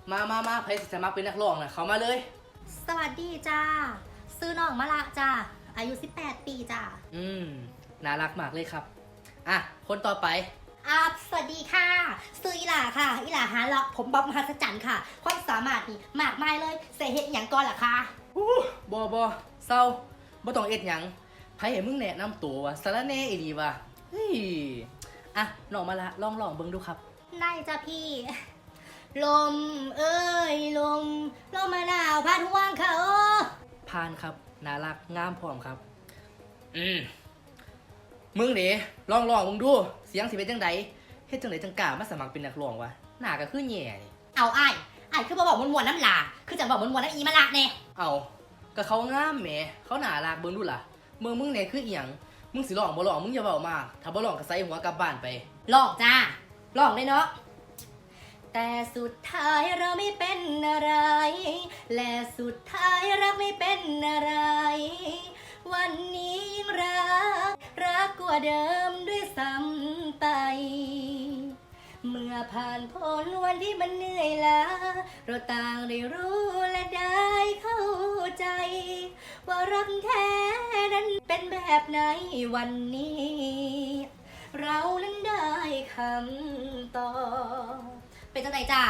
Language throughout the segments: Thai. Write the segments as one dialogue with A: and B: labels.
A: มาใครสมัครเป็นนักร้องนะเขามาเลย
B: สวัสดีจ้าซื้อน้องมะละจ้าอายุ18 ปีจ้า
A: น่ารักมากเลยครับอ่ะคนต่อไป
B: สวัสดีค่ะซื้ออีหล่าค่ะอีหล่าหาเลาะผมบ๊อบมหัศจรรย์ค่ะความสามารถนี่มากมายเลยเสเหตุอย่างก่อนล่ะค่ะ
A: บอเศร้าบ่ต้องเอ็ดหยังไผให้มึงแนะนำตัววะสารแหน่อีหลีวะเฮ้ยอ่ะน้องมาละลองเบิ่งดูครับ
B: ได้จ้าพี่ลมเอ้ยลมมะนาวพัดห่วงเขา
A: พานครับน่ารักงามพร้อมครับมึงเด้ลองมึงดูเสียงสิเป็นจังไดเฮ็ดจังไดจังกล้ามาสมัครเป็นนักร้องวะหน้าก็คือแย่นี่
B: เอาอ้ายคือบ่บอกมวนๆน้ำลาคือจังบอกมวนๆน้ำอีมะละแน่
A: เอาก็เขางามแหมเขาน่ารักเบิ่งดูล่ะมึงเนี่ยคืออีหยังมึงสิร้องบ่ร้องมึงอย่าเว้ามากถ้าบ่ร้องก็ใส่หัวกลับบ้านไป
B: ร้องจ้าร้องได้เนาะแต่สุดท้ายเราไม่เป็นอะไรและสุดท้ายรักไม่เป็นอะไรวันนี้ยิ่งรักกว่าเดิมด้วยซ้ำไปเมื่อผ่านพ้นวันที่มันเหนื่อยล้าเราต่างได้รู้และได้เข้าใจว่ารักแท้นั้นเป็นแบบไหนวันนี้เรานั้นได้คำตอบเป็นจังไดจ้า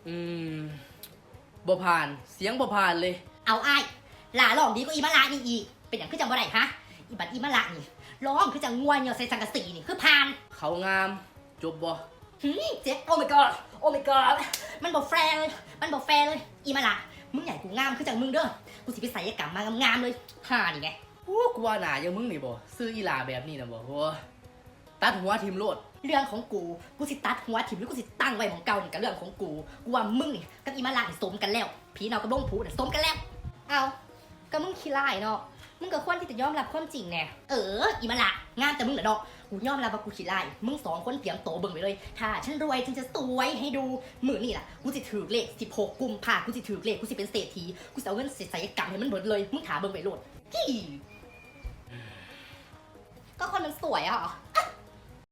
A: บ่ผ่านเสียงบ่ผ่านเลย
B: เอาอ้ายหล่าร้องดีกว่าอีมะละนี่อีกเป็นอย่างคือจังบ่ได้ฮะอีบัดอีมะละนี่ร้องคือจังงวนเหยาะใส่สังกะสีนี่คือผ่าน
A: เขางามจบบ่
B: เจ๊โอ้ my god โอ้ my god มันบ่แฟร์เลยอีมะละมึงใหญ่กูงามคือจังมึงเด้อกูสิไปศัลยกรรมมางามเลยห่านี่ไง
A: กูว่าหน้าอย่างมึงนี่บ่ซื้ออีหลาแบบนี้นะบ่โหตัดหัวทิ่มโลด
B: เรื่องของกูสิตัดหัวถิ่มหรือกูสิตั้งไว้ของเก่านี่กับเรื่องของกูว่ามึงนี่กับอีมาลานี่สมกันแล้วผีเนากับลงผูนี่สมกันแล้วเอาก็มึงขี้ร้ายเนาะมึงก็ควรที่จะยอมรับความจริงแน่อีมาลางานแต่มึงเหรอเนาะกูยอมรับว่ากูขี้ร้ายมึง2 คนเตรียมโตเบิ่งไปเลยถ้าฉันรวยฉันจะสวยให้ดูมื้อนี่ล่ะกูสิถือเลข16 กุมภาพันธ์กูสิถือเลขกูสิเป็นเศรษฐีกูสิเอาเงินศัลยกรรมให้มันเบิดเลยมึงถาเบิ่งไปโลดก็คนมันสวยอ่ะ